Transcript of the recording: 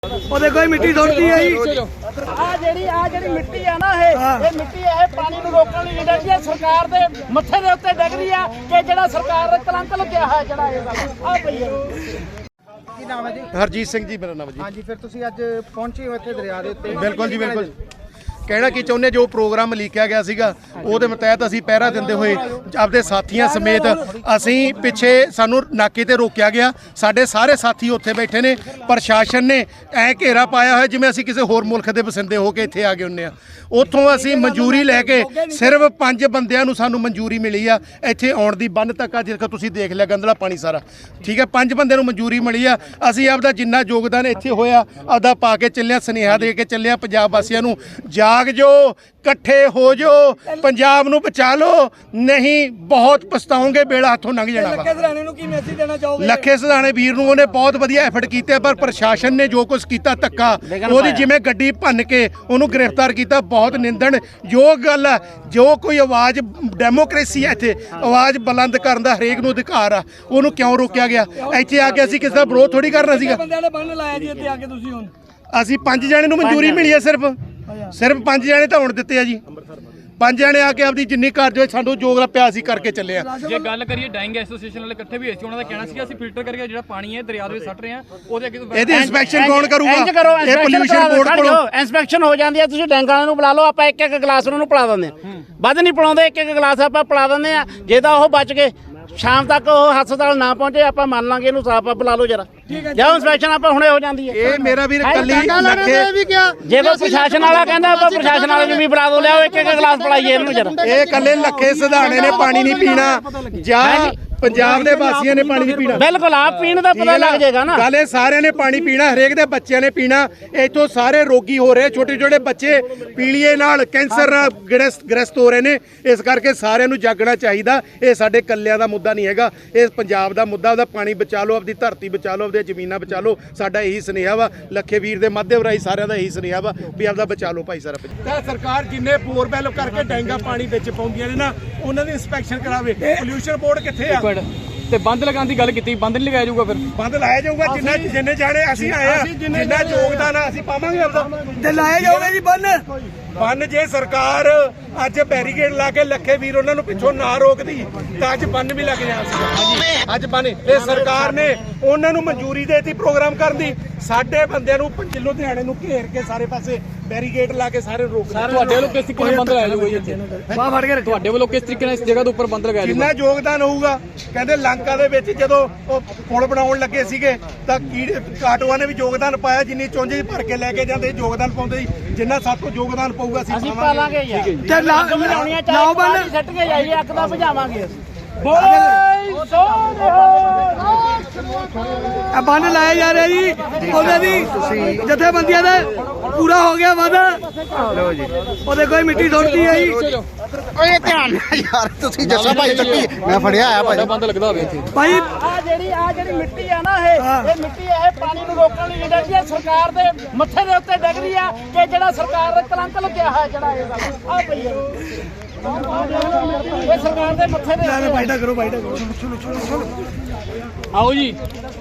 देखो मिट्टी छोड़ती है ਜਿਹੜੀ ਮਿੱਟੀ ਆ ਨਾ ਇਹ ਮਿੱਟੀ ਇਹ ਪਾਣੀ ਨੂੰ ਰੋਕਣ ਲਈ ਜਿਹੜੀ ਹੈ ਸਰਕਾਰ ਦੇ ਮੱਥੇ ਦੇ ਉੱਤੇ ਡਿੱਗ ਰਹੀ ਆ ਕਿ ਜਿਹੜਾ ਸਰਕਾਰ ਦਾ ਕਲੰਕ ਲੱਗਿਆ ਹੈ ਜਿਹੜਾ ਇਹ ਆ ਪਈ ਹੈ। ਕੀ ਨਾਮ ਹੈ ਜੀ? ਹਰਜੀਤ ਸਿੰਘ ਜੀ ਮੇਰਾ ਨਾਮ ਜੀ। ਹਾਂਜੀ, ਫਿਰ ਤੁਸੀਂ ਅੱਜ ਪਹੁੰਚੇ ਹੋ ਇੱਥੇ ਦਰਿਆ ਦੇ ਉੱਤੇ। ਬਿਲਕੁਲ ਜੀ ਬਿਲਕੁਲ। ਕਹਿਣਾ ਕੀ ਚਾਹੁੰਦੇ, ਜੋ ਪ੍ਰੋਗਰਾਮ ਲਿਖਿਆ ਗਿਆ ਸੀਗਾ ਉਹਦੇ ਤਹਿਤ ਅਸੀਂ ਪਹਿਰਾ ਦਿੰਦੇ ਹੋਏ ਆਪਦੇ ਸਾਥੀਆਂ ਸਮੇਤ ਅਸੀਂ ਪਿੱਛੇ ਸਾਨੂੰ ਨਾਕੇ ਤੇ ਰੋਕਿਆ ਗਿਆ। ਸਾਡੇ ਸਾਰੇ ਸਾਥੀ ਉੱਥੇ ਬੈਠੇ ਨੇ। ਪ੍ਰਸ਼ਾਸਨ ਨੇ ਐ ਘੇਰਾ ਪਾਇਆ ਹੋਇਆ ਜਿਵੇਂ ਅਸੀਂ ਕਿਸੇ ਹੋਰ ਮੁਲਕ ਦੇ ਵਸਿੰਦੇ ਹੋ ਕੇ ਇੱਥੇ ਆ ਗਏ ਹੁੰਦੇ ਆ। ਉੱਥੋਂ ਅਸੀਂ ਮਨਜ਼ੂਰੀ ਲੈ ਕੇ ਸਿਰਫ 5 ਬੰਦਿਆਂ ਨੂੰ ਸਾਨੂੰ ਮਨਜ਼ੂਰੀ ਮਿਲੀ ਆ ਇੱਥੇ ਆਉਣ ਦੀ। ਬੰਨ ਤੱਕ ਆ ਜਿਹੜਾ ਤੁਸੀਂ ਦੇਖ ਲਿਆ ਗੰਦਲਾ ਪਾਣੀ ਸਾਰਾ, ਠੀਕ ਹੈ। 5 ਬੰਦਿਆਂ ਨੂੰ ਮਨਜ਼ੂਰੀ ਮਿਲੀ ਆ। ਅਸੀਂ ਆਪਦਾ ਜਿੰਨਾ ਯੋਗਦਾਨ ਇੱਥੇ ਹੋਇਆ ਆਪਦਾ ਪਾ ਕੇ ਚੱਲਿਆ, ਸੁਨੇਹਾ ਦੇ ਕੇ ਚੱਲਿਆ ਪੰਜਾਬ ਵਾਸੀਆਂ ਨੂੰ, ਜਾਗ ਜੋ, ਇਕੱਠੇ ਹੋ ਜੋ, ਪੰਜਾਬ ਨੂੰ ਬਚਾ ਲਓ, ਨਹੀਂ ਬਹੁਤ ਪਛਤਾਓਗੇ, ਬੇੜਾ ਹੱਥੋਂ ਲੰਘ ਜਾਣਾ ਵਾ। ਲੱਖੇ ਸਰਾਣੇ ਨੂੰ ਕੀ ਮੈਸੇਜ ਦੇਣਾ ਚਾਹੋਗੇ? ਲੱਖੇ ਸਰਾਣੇ ਵੀਰ ਨੂੰ ਉਹਨੇ ਬਹੁਤ ਵਧੀਆ ਐਫਰਟ ਕੀਤੇ, ਪਰ ਪ੍ਰਸ਼ਾਸਨ ਨੇ ਜੋ ਕੁਝ ਕੀਤਾ ਧੱਕਾ, ਉਹਦੀ ਜਿਵੇਂ ਗੱਡੀ ਭੰਨ ਕੇ ਉਹਨੂੰ ਗ੍ਰਿਫਤਾਰ ਕੀਤਾ, ਬਹੁਤ ਨਿੰਦਣਯੋਗ ਗੱਲ ਆ। ਜੋ ਕੋਈ ਆਵਾਜ਼, ਡੈਮੋਕ੍ਰੇਸੀ ਹੈ ਇੱਥੇ, ਆਵਾਜ਼ ਬੁਲੰਦ ਕਰਨ ਦਾ ਹਰੇਕ ਨੂੰ ਅਧਿਕਾਰ ਆ, ਉਹਨੂੰ ਕਿਉਂ ਰੋਕਿਆ ਗਿਆ? ਇੱਥੇ ਆ ਕੇ ਅਸੀਂ ਕਿਸੇ ਦਾ ਵਿਰੋਧ ਥੋੜੀ ਕਰਨਾ ਸੀਗਾ। ਬੰਦਿਆਂ ਨੇ ਬੰਨ ਲਾਇਆ ਜੀ ਇੱਥੇ ਆ ਕੇ ਤੁਸੀਂ ਹੁਣ। ਅਸੀਂ 5 ਜਣੇ ਨੂੰ ਮਨਜ਼ੂਰੀ ਮਿਲੀ ਹੈ, ਸਿਰਫ 5 ਜਣੇ ਤਾਂ ਹੁਣ ਦਿੱਤੇ ਆ ਜੀ। 5 ਜਣੇ ਆ ਕੇ ਆਪਦੀ ਜਿੰਨੀ ਕਾਰਜ ਹੋਈ ਸਾਨੂੰ ਜੋਗ ਪਿਆ ਸੀ ਕਰਕੇ ਚੱਲੇ ਆ। ਜੇ ਗੱਲ ਕਰੀਏ ਡਾਈਂਗ ਐਸੋਸੀਏਸ਼ਨ ਵਾਲੇ ਇਕੱਠੇ ਵੀ ਹੋਏ ਸੀ, ਉਹਨਾਂ ਦਾ ਕਹਿਣਾ ਸੀ ਅਸੀਂ ਫਿਲਟਰ ਕਰਕੇ ਜਿਹੜਾ ਪਾਣੀ ਹੈ ਦਰਿਆ ਦੇ ਵਿੱਚ ਸੱਟ ਰਹੇ ਆ, ਉਹਦੇ ਅੱਗੇ ਇਹਦੀ ਇਨਸਪੈਕਸ਼ਨ ਕੌਣ ਕਰੂਗਾ? ਇੰਜ ਕਰੋ, ਇਹ ਪੋਲਿਊਸ਼ਨ ਬੋਰਡ ਕੋਲੋਂ ਇਨਸਪੈਕਸ਼ਨ ਹੋ ਜਾਂਦੀ ਹੈ। ਤੁਸੀਂ ਡੈਂਗ ਵਾਲਿਆਂ ਨੂੰ ਬੁਲਾ ਲਓ, ਆਪਾਂ ਇੱਕ ਇੱਕ ਗਲਾਸ ਉਹਨਾਂ ਨੂੰ ਪਿਲਾ ਦਿੰਦੇ ਆ। ਵੱਧ ਨਹੀਂ ਪਿਲਾਉਂਦੇ, ਇੱਕ ਇੱਕ ਗਲਾਸ ਆਪਾਂ ਪਿਲਾ ਦਿੰਦੇ ਆ। ਜੇ ਤਾਂ ਉਹ ਬਚ ਗਏ, ਸ਼ਾਮ ਤੱਕ ਉਹ ਹਸਪਤਾਲ ਨਾ ਪਹੁੰਚੇ, ਆਪਾਂ ਮੰਨ ਲਾਂਗੇ ਇਹਨੂੰ ਸਾਫ ਬੁਲਾ ਲਓ ਜਰਾ। ਜਾਂ ਇਨਸਪੈਕਸ਼ਨ ਆਪਾਂ ਹੁਣੇ ਹੋ ਜਾਂਦੀ ਹੈ। ਇਹ ਮੇਰਾ ਵੀਰ ਕੱਲੀ ਲੱਖੇ ਵੀ ਕਿਹਾ, ਜੇ ਕੋਈ ਪ੍ਰਸ਼ਾਸਨ ਵਾਲਾ ਕਹਿੰਦਾ ਆਪਾਂ ਪ੍ਰਸ਼ਾਸਨ ਵਾਲੇ ਨੂੰ ਵੀ ਬੁਲਾ ਦੋ, ਲਿਆਓ ਇੱਕ ਇੱਕ ਗਲਾਸ ਪਿਲਾਈਏ ਇਹਨੂੰ ਜਰਾ। ਇਹ ਕੱਲੇ ਲੱਖੇ ਸਿਧਾਣੇ ਨੇ ਪਾਣੀ ਨਹੀਂ ਪੀਣਾ ਜਾਂ ਪੰਜਾਬ ਦੇ ਵਾਸੀਆਂ ਨੇ ਪਾਣੀ ਨਹੀਂ ਪੀਣਾ। ਬਿਲਕੁਲ, ਆਪ ਪੀਣ ਦਾ ਪਤਾ ਲੱਗ ਜਾਏਗਾ ਨਾ। ਗੱਲ ਇਹ ਸਾਰਿਆਂ ਨੇ ਪਾਣੀ ਪੀਣਾ, ਹਰੇਕ ਦੇ ਬੱਚਿਆਂ ਨੇ ਪੀਣਾ। ਇੱਥੋਂ ਸਾਰੇ ਰੋਗੀ ਹੋ ਰਹੇ, ਛੋਟੇ ਛੋਟੇ ਬੱਚੇ ਪੀਲੀਏ ਨਾਲ, ਕੈਂਸਰ ਨਾਲ ਗ੍ਰਸਤ ਹੋ ਰਹੇ ਨੇ। ਇਸ ਕਰਕੇ ਸਾਰਿਆਂ ਨੂੰ ਜਾਗਣਾ ਚਾਹੀਦਾ। ਇਹ ਸਾਡੇ ਕੱਲਿਆਂ ਦਾ ਮੁੱਦਾ ਨਹੀਂ ਹੈਗਾ, ਇਹ ਪੰਜਾਬ ਦਾ ਮੁੱਦਾ। ਉਹਦਾ ਪਾਣੀ ਬਚਾ ਲਓ, ਆਪਦੀ ਧਰਤੀ ਬਚਾ ਲਓ, ਆਪਦੀਆਂ ਜ਼ਮੀਨਾਂ ਬਚਾ ਲਓ। ਸਾਡਾ ਇਹੀ ਸੁਨੇਹਾ ਵਾ, ਲੱਖੇ ਵੀਰ ਦੇ ਮਾਧਿਅਮ ਰਾਹੀਂ ਸਾਰਿਆਂ ਦਾ ਇਹੀ ਸੁਨੇਹਾ ਵਾ ਵੀ ਆਪਦਾ ਬਚਾ ਲਓ ਭਾਈ ਸਾਰਾ। ਤਾਂ ਸਰਕਾਰ ਜਿੰਨੇ ਬੋਰਵੈਲ ਕਰਕੇ ਡੈਂਗਾ ਪਾਣੀ ਵਿੱਚ ਪਾਉਂਦੀਆਂ ਨੇ ਨਾ, ਉਹਨਾਂ ਦੀ ਇੰਸਪੈਕਸ਼ਨ ਕਰਾਵੇ। ਪੋਲਿਊਸ਼ਨ ਬੋਰਡ ਕਿੱਥੇ ਆ? ਤੇ ਬੰਦ ਲਗਾਉਣ ਦੀ ਗੱਲ ਕੀਤੀ, ਬੰਦ ਨਹੀਂ ਲਗਾਇਆ ਜਾਊਗਾ? ਫਿਰ ਬੰਦ ਲਾਇਆ ਜਾਊਗਾ। ਜਿੰਨੇ ਜਾਣੇ ਅਸੀਂ ਆਏ ਆ, ਜਿੰਨਾ ਯੋਗਦਾਨ ਆ ਅਸੀਂ ਪਾਵਾਂਗੇ ਆਪਦਾ। ਤੇ ਲਾਇਆ ਜਾਓਗੇ ਜੀ ਬੰਨ ਜੇ ਸਰਕਾਰ ਅੱਜ ਬੈਰੀਕੇਡ ਲਾ ਕੇ ਲੱਖੇ ਵੀਰ ਉਹਨਾਂ ਨੂੰ ਪਿੱਛੋਂ ਨਾ ਰੋਕਦੀ ਤਾਂ ਅੱਜ ਬੰਨ ਵੀ ਲੱਗ ਜਾਣਾ ਸੀ। ਅੱਜ ਬੰਨ ਇਹ ਸਰਕਾਰ ਨੇ ਉਹਨਾਂ ਨੂੰ ਮਨਜ਼ੂਰੀ ਦੇਤੀ ਪ੍ਰੋਗਰਾਮ ਕਰਨ ਦੀ। ਸਾਡੇ ਬੰਦਿਆਂ ਨੂੰ ਲੁਧਿਆਣੇ ਨੂੰ ਘੇਰ ਕੇ ਸਾਰੇ ਪਾਸੇ ਬੈਰੀਕੇਡ ਲਾ ਕੇ ਸਾਰੇ ਰੋਕ। ਤੁਹਾਡੇ ਵੱਲੋਂ ਕਿਸ ਤਰੀਕੇ ਨਾਲ ਬੰਦ ਲਗਾਇਆ ਜਾਊਗਾ ਇੱਥੇ? ਤੁਹਾਡੇ ਵੱਲੋਂ ਕਿਸ ਤਰੀਕੇ ਨਾਲ ਇਸ ਜਗ੍ਹਾ ਦੇ ਉੱਪਰ ਬੰਦ ਲਗਾਇਆ ਜਾਊਗਾ? ਜਿੰਨਾ ਯੋਗਦਾਨ ਹੋਊਗਾ। ਕਹਿੰਦੇ ਲੰਕਾ ਦੇ ਵਿੱਚ ਜਦੋਂ ਉਹ ਪੁਲ ਬਣਾਉਣ ਲੱਗੇ ਸੀਗੇ ਤਾਂ ਕਾਟੋਆਂ ਨੇ ਵੀ ਯੋਗਦਾਨ ਪਾਇਆ। ਜਿੰਨੀ ਚੁੰਝ ਭਰ ਕੇ ਲੈ ਕੇ ਜਾਂਦੇ ਯੋਗਦਾਨ ਪਾਉਂਦੇ ਸੀ। ਜਿੰਨਾ ਸਭ ਤੋਂ ਯੋਗਦਾਨ ਪਊਗਾ ਅਸੀਂ ਪਾਵਾਂਗੇ ਯਾਰ। ਤੇ ਲਾਓ ਬੰਨ, ਸੱਟ ਕੇ ਜਾਈਏ, ਅੱਗ ਦਾ ਬੁਝਾਵਾਂਗੇ। ਬੰਨ ਲਾਇਆ ਜਾ ਰਿਹਾ ਜੀ। ਉਹਦੇ ਦੀ ਜਥੇਬੰਦੀਆਂ ਦਾ ਪੂਰਾ ਹੋ ਗਿਆ ਵਾਦਾ। ਲਓ ਜੀ, ਉਹ ਦੇਖੋ ਮਿੱਟੀ ਛੋੜਦੀ ਹੈ ਜੀ। ਓਏ ਧਿਆਨ ਨਾਲ ਯਾਰ, ਤੁਸੀਂ ਜੱਸਾ ਭਾਈ ਚੱਕੀ ਮੈਂ ਫੜਿਆ ਆ ਭਾਈ। ਬੰਦ ਲੱਗਦਾ ਹੋਵੇ ਇੱਥੇ ਭਾਈ ਜਿਹੜੀ ਮਿੱਟੀ ਆ ਨਾ ਇਹ ਮਿੱਟੀ ਇਹ ਪਾਣੀ ਨੂੰ ਰੋਕਣ ਲਈ ਜਿਹੜੀ ਹੈ ਸਰਕਾਰ ਦੇ ਮੱਥੇ ਦੇ ਉੱਤੇ ਡਿੱਗ ਰਹੀ ਆ ਕਿ ਜਿਹੜਾ ਸਰਕਾਰ ਦਾ ਕਲੰਕ ਲੱਗਿਆ ਹੈ ਜਿਹੜਾ ਇਹ ਆ ਪਈ ਹੈ। ਇਹ ਸਰਕਾਰ ਦੇ ਮੱਥੇ ਦੇ ਬਾਈਟਾ ਕਰੋ, ਬਾਈਟਾ ਕਰੋ। ਆਓ ਜੀ।